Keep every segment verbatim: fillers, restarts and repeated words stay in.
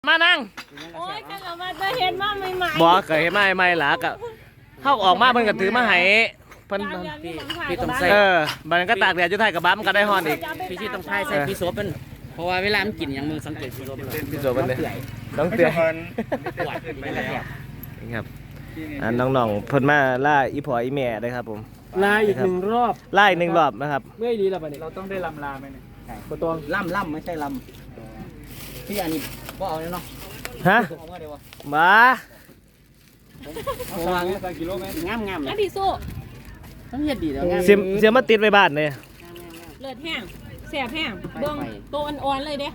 มานั่งโอ้ยกันเรามาจะเห็นมาใหม่ๆบอกเคยเห็นมาใหม่ๆหล่ะก็เข้าออกมาเพิ่นก็ถือมาให้เพิ่นพี่ต้องใส่เออมันก็ตากแดดอยู่ไทยกับบ้ามันก็ได้ฮอนอีกพี่ชีต้องพายใส่พี่โซเป็นเพราะว่าเวลามันกินอย่างมือสังเกตพี่โซเป็นพี่โซเป็นเลยต้องเตือนครับอ่าน้องๆเพิ่นมาล่าอีพ่ออีแม่เลยครับผมลาอีกหนึ่งรอบล่าอีกหนึ่งรอบนะครับเมื่อดีแล้วปะเนี่ยเราต้องได้ลำลาไหมเนี่ยกระตวงล่ำล่ำไม่ใช่ลำพี่อันนี้ก็เอาเนาะฮะมาวางสักกิโลเมตรงามงามแล้วพี่สู้ต้องเฮ็ดดีแล้วงามเสียมเสียมมาติดไว้บ้านเลยเลือดแห้งแสบแห้งเบิ่งโตอ่อนๆเลยเด้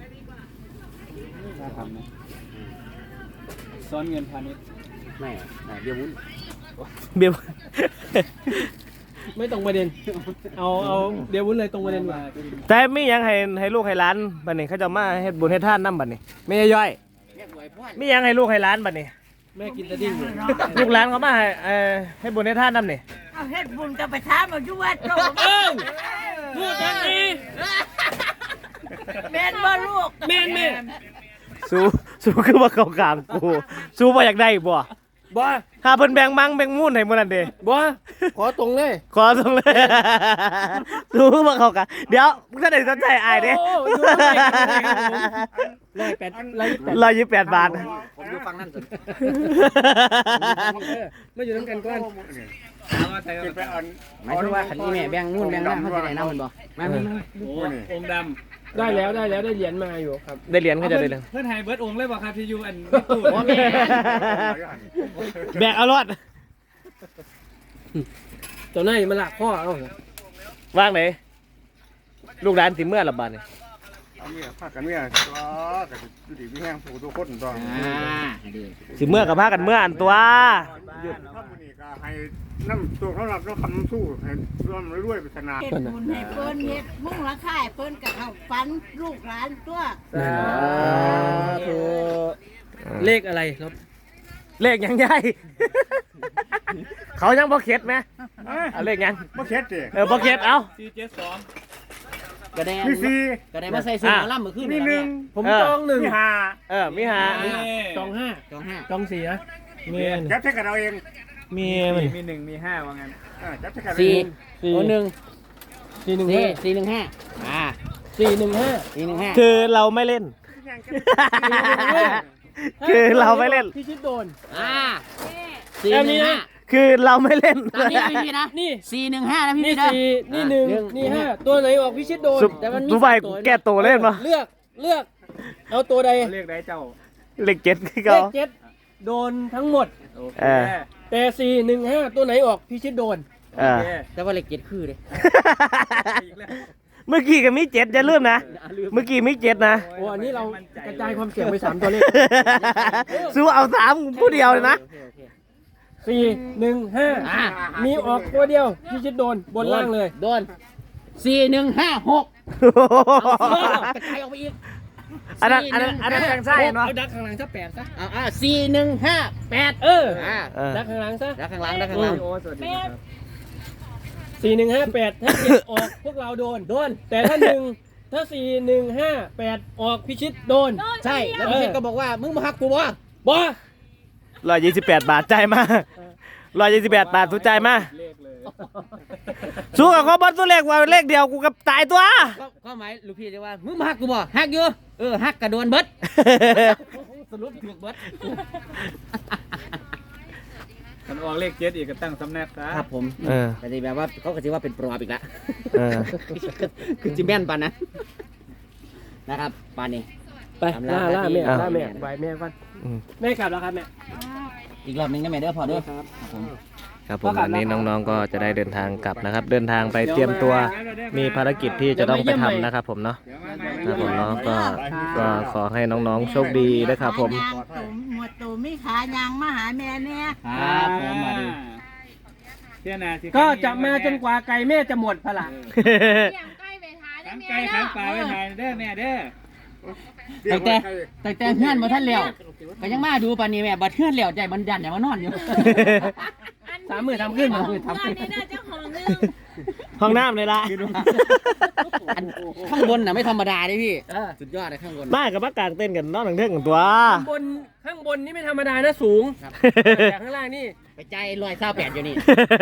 ซ้อนเงินพาณิชย์ไม่เดี๋ยววุ้นเบี้ยวไม่ตรงประเด็นเอาเอาเดี๋ยววุ้นเลยตรงประเด็นมาแต่มีหยังให้ให้ลูกให้หลานบัดนี้เขาจะมาเฮ็ดบุญเฮ็ดทานนำบัดนี้ไม่ย่อยมีหยังให้ลูกให้หลานบัดนี้แม่กินตะดิ้งอยู่ลูกหลานเขามาให้เอ่อให้บุญเฮ็ดทานนำนี่เอาเฮ็ดบุญกับไปถามเอาอยู่วัดโตเออพูดจังนี้แม่นบ่ลูกแม่นแม่สู้สู้คือว่าเขากามกูสู้บ่อยากได้บ่บ่ถ้าเพิ่นแบ่งมังแบ่งมูนให้มื้อนั้นเด้บ่ขอตรงเลยขอตรงเลย สู้ว่าเขากามเดี๋ยวมึงจะได้สนใจอายเด้ร้อยแปดร้อยแปดร้อยยี่สิบแปดบาทผมอยู่ฟังนั่นสุดไม่อยู่น้ำกันก่อนไปอ่อนหมายถึงว่าขันนี้แม่แบ่งนู่นแบ่งนั่นเขาจะได้น้ำมันบ่มามาโอ้องค์ดำได้แล้วได้แล้วได้เหรียญมาอยู่ครับได้เหรียญเขาจะได้เหรียญเพื่อนไฮเบิร์ดองค์เลยบอกครับที่ยูอันแบกเอารอดตัวไหนมันหลักข้อเอาว่างไหนลูกหลานสิเมื่อละบาดนี่เอาเมียพากันเมียก็กะสิอยู่ดีมีแห้งผู้ทุกคนต้องอ่าดีสิเมื่อกับพากันเมื่ออันตัวหยุดถ้ามื้อนี้ก็ให้น้ำตัวเขารับแล้วคำสู้ให้ร่วมรวยๆปริศนาเฮ็ดบุญให้เพิ่นเฮ็ดมุ่งละค่ายเพิ่นก็เข้าฝันลูกหลานตัวสาธุเลขอะไรครับเลขยังใหญ่ เขายังบ่เข็ดไหมเอาเลขยังบ่เข็ดติเออบ่เข็ดเอาสี่เจ็ดสองกระแดงมีสี่กระแดงมาใส่ซื้อล่ำมือขึ้นมีหนึ่งผมจองหนึ่งมีห้าเออมีหาจองห้าจองห้าจองสี่นะเมียนจับใช้กันเอาเองเมียนมีหนึ่งมีห้าว่างั้นอ่าจับใช้กันเอาสี่เองสี่โอ้หนึ่งสี่หนึ่งสี่ห้าสี่หนึ่งห้าอ่าสี่หนึ่งห้าสี่หนึ่งห้าคือเราไม่เล่น คือเราไม่เล่นพี่ชิดโดนอ่าสี่หนึ่งห้าคือเราไม่เล่นตามนี้พี่นะนี่สี่หนึ่งห้านะพี่นี่พี่นะสี่นี่หนึ่งนี่ห้าตัวไหนออกพี่ชิดโดนสุแต่มันมีสุไฟกูแก้ตัวเล่นปะเลือกเลือก เอาตัวใดเรียกได้เจ้าเลขเจ็ดคือเลเขาขเจ็ดโดนทั้งหมดโอเคเออแต่สี่หนึ่งห้าตัวไหนออกพี่ชิดโดนเออแต่ว่าเลขเจ็ดคือเลยเมื่อกี้ก็มีเจ็ดอย่าลืมนะ เมื่อกี้มีเจ็ดนะโอ้อันนี้เรากระจายความเสี่ยงไปสามตัวเลขสู้เอาสามผู้เดียวเลยนะโอเคโอเคสี่หนึ่งห้าอ่ามีออกตัวเดียวพี่ชิดโดนบนล่างเลยโดนสี่หนึ่งห้าหกเอากระจายออกไปอีกอันนั้นอันนั้นอันนั้นแทงไส้เนาะเอาดักข้างหลังซะแปดซะอ่าอ่าสี่หนึ่งห้าแปดเอออ่าเออดักข้างหลังซะแล้วข้างหลังแล้วข้างหลังโอ้สวัสดีครับสี่หนึ่งห้าแปดถ้าเจ็ดออกพวกเราโดนโดน แต่ถ้าหนึ่งถ้าสี่หนึ่งห้าแปดออกพิชิตโดนใช่แล้วพี่เชษก็บอกว่ามึงมาหักกูบ่บอร้อยยี่สิบแปดบาทจ่ายมาร้อยยี่สิบแปดบาทสู้จ่ายมาเลขเลยสู้กับเขาบอลตัวเลขว่าเลขเดียวกูกับตายตัวก็ก็หมายลูกพี่จะว่ามึงมาหักกูบ่หักอยู่เออหักกระโดนเบิดสรุปถูกเบิดมันออกเลขเจ็ดอีกก็ตั้งสำนักครับครับผมเออแต่ที่แบบว่าเขาก็จะว่าเป็นปลอบอีกแล้วเออคือจิแม่นปานนะนะครับปานนี้ไปล่าล่าแม่ล่าแม่ใบแม่ก่อนอืมแม่กลับแล้วครับแม่อีกรอบหนึงได้ไหมเด้อพอเด้อครับผมครับผมวันนี้น้องๆก็จะได้เดินทางกลับนะครับ เดินทางไปเตรียมตัวมีภารกิจที่จะต้องไปทำนะครับผมเนาะเดี๋ยวมาใหม่ครับผมเนาะก็ก็ขอให้น้องๆโชคดีนะครับผมขายางตุ่มหมวดตุ่มมีขายางมาหาแม่เนี่ยครับผมมาดูเที่ยนาสิก็จะมาจนกว่าไก่แม่จะหมดพลังทั้งไก่ทั้งปลาไว้ทานเด้อแม่เด้อแต่แต่แต่แต่เฮือนบ่ทันแล้วก็ยังมาดูปานนี้แม่บัดเฮือนแล้วใจมันยันอย่ามานอนอยู่สามหมื่นทำขึ้นมาเพื่อนนี่น่าจะของนึงห้องน้ำเลยล่ะอันข้างบนน่ะไม่ธรรมดาดิพี่เออสุดยอดเลยข้างบนบ้านกับบ้านกลางเต้นกันนอนหลังเท่งกันตัวข้างบนข้างบนนี่ไม่ธรรมดานะสูงครับแต่ข้างล่างนี่ไปใจลอยเศร้าแปดอยู่นี่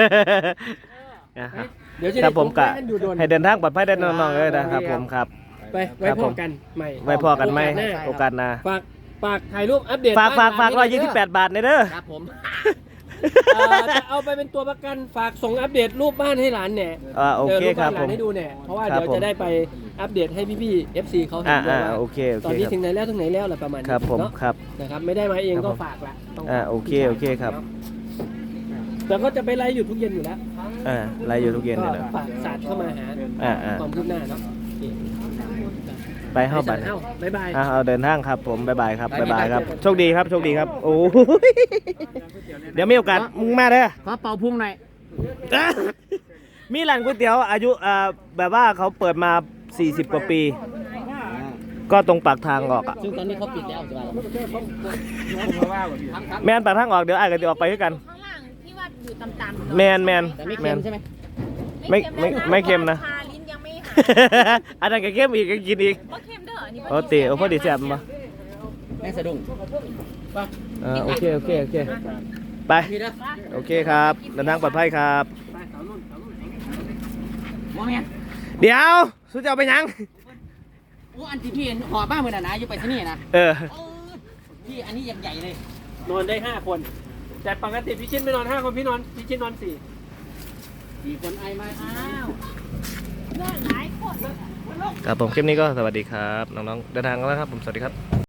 นะครับเดี๋ยวจะคได้รับผมกะพบกันอยู่โดนให้เดินทางปลอดภัยได้น้องๆเลยนะครับผมครับไปไว้พบกันใหม่ไว้พอกันไหมโอกาสหน้าโอกาสหน้าฝากฝากถ่ายรูปอัปเดตฝากฝากฝากบ้นร้อยยี่สิบแปดบาทในเด้อครับผมเอ่อจะเอาไปเป็นตัวประกันฝากส่งอัปเดตรูปบ้านให้หลานแหน่อ่าโอเคดี๋ยวครับปผบ้านหลานมให้ดูแหน่เพราะว่าครับเดี๋ยวผมจะได้ไปอัปเดตให้พี่ๆ เอฟ ซี เขาเห็อ่านด้วยอ่าว่าโอเคโอตอเคนนี้คถึรับงไหนแล้วถึงไหนแล้วอะไรประมาณนี้ครับผมเนาะครับนะครับไม่ได้มาเองครับก็ผมฝากละต้องอ่าโอเคโอเคครับแต่ก็จะไปไลฟ์อยู่ทุกเย็นอยู่แล้วอ่าไล่อยู่ทุกเย็นก็เลยนะฝากศาสตร์เข้ามาหาอ่าอ่าความคืบหน้าเนาะไปเข้าไปเอ้าบ๊ายบายอ่าเอาเดินทางครับผมบ๊ายบายครับบ๊ายบายครับโชคดีครับโชคดีครับโอ้ยเดี๋ยวมีโอกาสมึงมาเด้อขอเป่าพุ่งหน่อยมีร้านก๋วยเตี๋ยวอายุอ่าแบบว่าเขาเปิดมาสี่สิบกว่าปี ก็ตรงปากทางออกอ่ะซึ่งตอนนี้เขาปิดแล้วใช่ไหมแมนปากทางออกเดี๋ยวไอ้ก็จะออกไปด้วยกันข้างล่างที่ว่าอยู่ต่ำๆแมนแมนแต่ไม่แมเค็นมใช่ไหมไม่ไม่ไม่เค็มนะทาลิ้นยังไม่หายอันนั้นก็เค็มอีกก็กินอีกว่าเค็มเด้ออันนี้โอ้ตีโอ้พอดีแซ่บมาแม่งสะดุ้งอ่าโอเคโอเคโอเคไปพี่นะโอเคครับเดินทางปลอดภัยครับมองเห็นเดี๋ยวสุดจะเอาไปยังโอ้อันที่พี่หอบบ้างเหมือนนะอยู่ไปที่นี่นะเออเออพี่อันนี้ยังใหญ่เลยนอนได้ห้าคน แต่ปกติพี่ชินไม่นอนห้าคนพี่นอนพี่ชินนอนสี่สี่คนไอมาอ้าวครับผมคลิปนี้ก็สวัสดีครับ น้องๆเดินทางกันแล้วครับผมสวัสดีครับ